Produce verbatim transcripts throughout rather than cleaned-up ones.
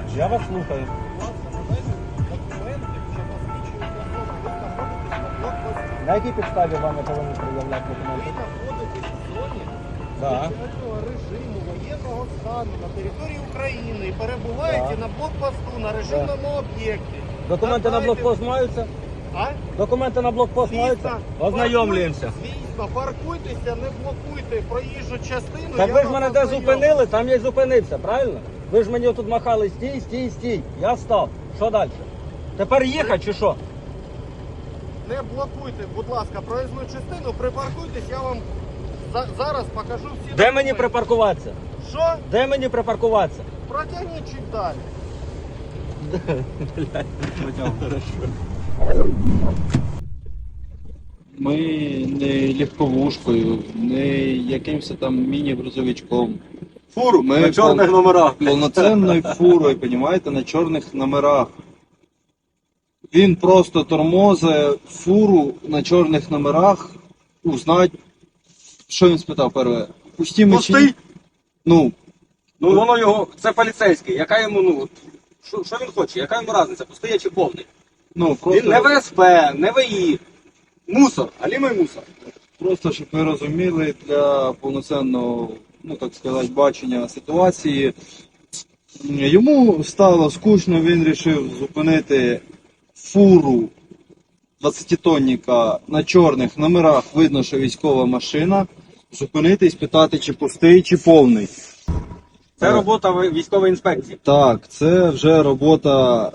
Я вас слухаю. На якій підставі вам не повинні пред'являти Ви документи? знаходитесь в зоні Да. спеціального режиму воєнного стану на території України і перебуваєте Да. на блокпосту на режимному об'єкті. Документи на Надайте- блокпост маються? А? Документи на блокпост маються? Ознайомлюємося. Паркуйтесь, Звісно, паркуйтеся, не блокуйте проїжджу частину. Так я ви ж вас мене де ознайомлю. зупинили, там я й зупинився, правильно? Ви ж мені тут махали стій, стій, стій. Я став. Що далі? Тепер їхати чи що? Не блокуйте, будь ласка, проїзну частину, припаркуйтесь, я вам за- зараз покажу всі Де мені документи. припаркуватися? Що? Де мені припаркуватися? Протягніть чуть далі. Ми не легковушкою, не якимось там міні-грузовичком. Фуру Ми на чорних пол- номерах. Повноцінною фурою, розумієте, на чорних номерах. Він просто тормозить фуру на чорних номерах, узнать, що він спитав перше. Пусті ми чи ні? Пустий? Ну, Ну воно його, це поліцейський. Яка йому, ну, от, що, що він хоче? Яка йому різниця? Пустий чи повний? ну просто, Він не В С П, не В І. Мусор, алімий мусор. просто, щоб ви розуміли, для повноцінного, ну так сказати, бачення ситуації. Йому стало скучно, він вирішив зупинити фуру двадцятитонника на чорних номерах, видно, що військова машина, зупинити і спитати, чи пустий, чи повний. Це робота військової інспекції. Так, це вже робота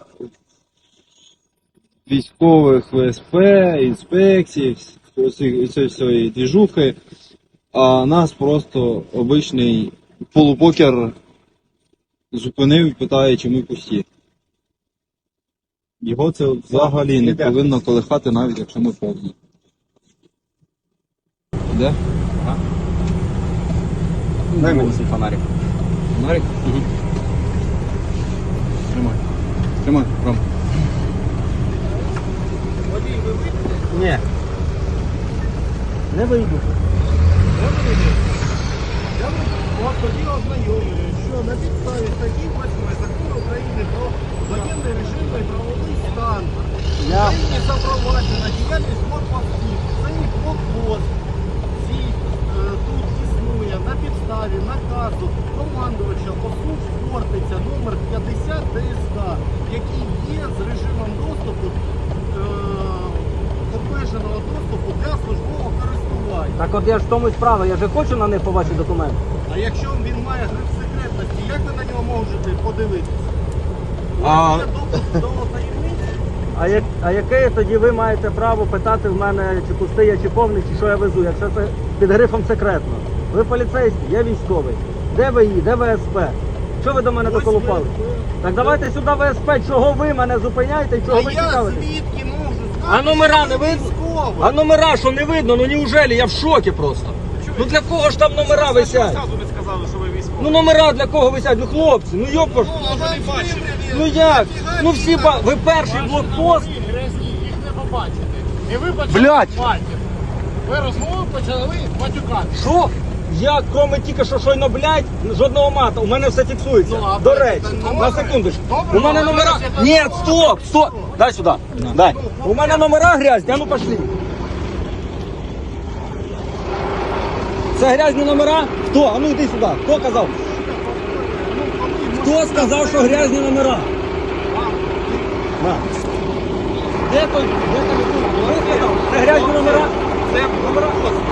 військових В С П, інспекцій, цієї всієї двіжухи, а нас просто обичний полупокер зупинив і питає, чи ми пусті. Його це взагалі не Ребята. повинно колихати, навіть якщо ми повні. Де? Дай мені свій фонарик. Фонарик? Угу. Тримай. Тримай, Ром. Водій, ви вийдете? Ні. Не вийду. Не вийдете. Я вас тоді ознайомлюю, що на підставі статті восьмої Закону України про воєнний режим та правовий стан Я... Україні запроваджена діяльність блокпостів. Це і блокпост. Цій е, тут існує на підставі наказу командувача ОСУ Хортиця номер п'ятдесят Д С К, який є з режимом доступу е, обмеженого доступу для службового користування. Так от я ж в тому й справа, я же хочу на них по ваші документи. А якщо він має гриф секретності, як ви на нього можете подивитися? У А- вас є доступ до таємниці? А, як, а яке тоді ви маєте право питати в мене, чи пустий я, чи повний, чи що я везу, якщо це під грифом секретно? Ви поліцейський, я військовий. Де ви І, де В С П? Що ви до мене Ось доколупали? ви- Так давайте сюди В С П, чого ви мене зупиняєте і чого А ви я цікавитесь? звідки можу знати? А номера що не ви видно? військовий? А номера що не видно? Ну неужели? Я в шокі просто. Ну для кого ж там номера висять? ви сказали, що ви військовий. Ну номера для кого висять? Ну хлопці, ну йопаш. Ну як? Ну всі ба... Ви перший блокпост. Грязні, їх не побачите. І ви Блядь! почали матір. Ви розмову почали матюкати. Що? Я, кроме тільки що щойно, блядь, жодного мата. У мене все фіксується. Ну, а До ви- речі, це на добре. секундочку. Добре, У мене але номера... ви це Ні, так стоп, стоп. Дай сюди. Дай. У мене номера грязні, а ну пошли. Це грязні номера? Хто? А ну йди сюди. Хто казав? Хто сказав, що грязні номера? На. Де той? Де той? Хто сказав? Це грязні номера? Це номера?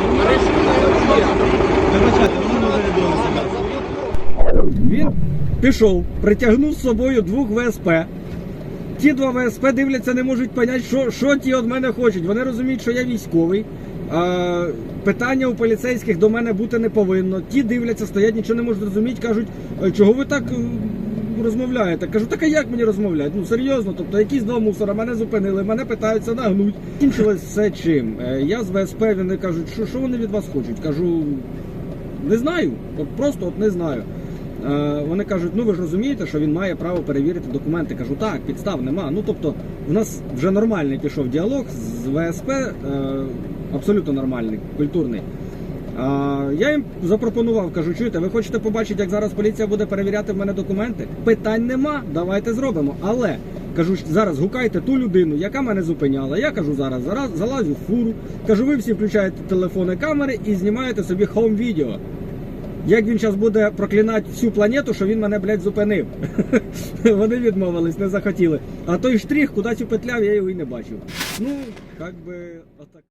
Він пішов, притягнув з собою двох В С П. Ті два В С П дивляться, не можуть зрозуміти, що, що ті від мене хочуть. Вони розуміють, що я військовий. А, питання у поліцейських до мене бути не повинно. Ті дивляться, стоять, нічого не можуть зрозуміти, кажуть, «А чого ви так е, розмовляєте? Кажу, так а як мені розмовляти? Ну серйозно, тобто якісь два мусора мене зупинили, мене питаються нагнуть. Кінчилось все чим. Е, Я з В С П, вони кажуть, що, що вони від вас хочуть? Кажу, не знаю, от просто от не знаю. Е, Вони кажуть, ну ви ж розумієте, що він має право перевірити документи. Кажу, так, підстав нема. Ну тобто, в нас вже нормальний пішов діалог з В С П, е, абсолютно нормальний, культурний. А, я їм запропонував, кажу, чуєте, ви хочете побачити, як зараз поліція буде перевіряти в мене документи? Питань нема, давайте зробимо. Але, кажу, зараз гукайте ту людину, яка мене зупиняла. Я кажу, зараз, зараз залазю в фуру, кажу, ви всі включаєте телефони, камери і знімаєте собі хоум-відео. Як він зараз буде проклинати всю планету, що він мене, блядь, зупинив. Вони відмовились, не захотіли. А той штрих кудись упетляв, я його і не бачив. Ну, як би, отак.